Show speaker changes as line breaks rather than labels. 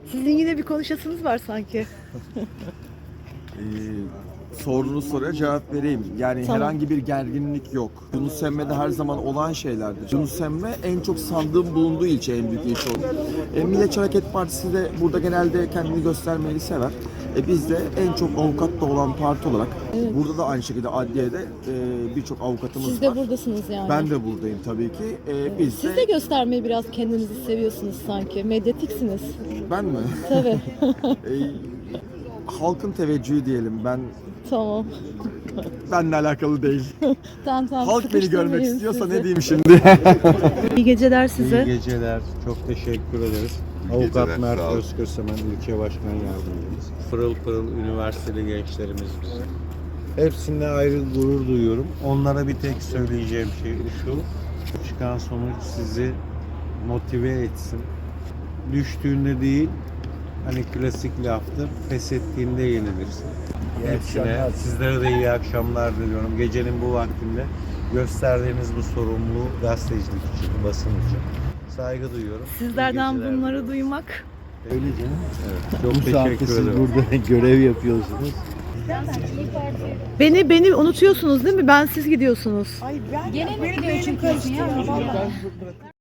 Sizin yine bir konuşasınız var sanki.
Sorduğunuz soruya cevap vereyim. Yani
Tamam.
herhangi bir gerginlik yok. Yunus Emre'de her zaman olan şeylerdir. Yunus Emre en çok sandığım bulunduğu ilçe, en büyük ilçe olur. Milliyetçi Hareket Partisi de burada genelde kendini göstermeyi sever. Biz de en çok avukat da olan parti olarak burada da aynı şekilde adliyede birçok avukatımız
Siz de
var.
buradasınız yani.
Ben de buradayım tabii ki. Biz
Siz de göstermeyi biraz kendinizi seviyorsunuz sanki. Medyatiksiniz.
Ben mi?
Tabii.
Halkın teveccühü diyelim.
Tamam.
Benle alakalı değil.
Tamam.
Halk beni görmek
sıkıştırmayayım
istiyorsa
sizi.
ne diyeyim şimdi?
İyi geceler size.
İyi geceler. Çok teşekkür ederiz. Avukat Mert Özkösemen, ilçe başkan yardımcımız. Pırıl pırıl üniversiteli gençlerimiz bizim. Hepsinde ayrı gurur duyuyorum. Onlara bir tek söyleyeceğim şey şu. Çıkan sonuç sizi motive etsin. Düştüğünde değil, hani klasik laftır, pes ettiğinde yenilirsin. Hepsine, sizlere de iyi akşamlar diliyorum. Gecenin bu vaktinde gösterdiğiniz bu sorumluluğu gazetecilik için, basın için saygı duyuyorum.
Sizlerden
İyi geceler
bunları
diliyorum.
duymak.
Öyle canım.
Evet, çok
Bu saatte
teşekkür
siz
ederim.
burada görev yapıyorsunuz.
Beni unutuyorsunuz değil mi? Ben siz gidiyorsunuz.
Gene mi gidiyor çünkü ya? Vallahi.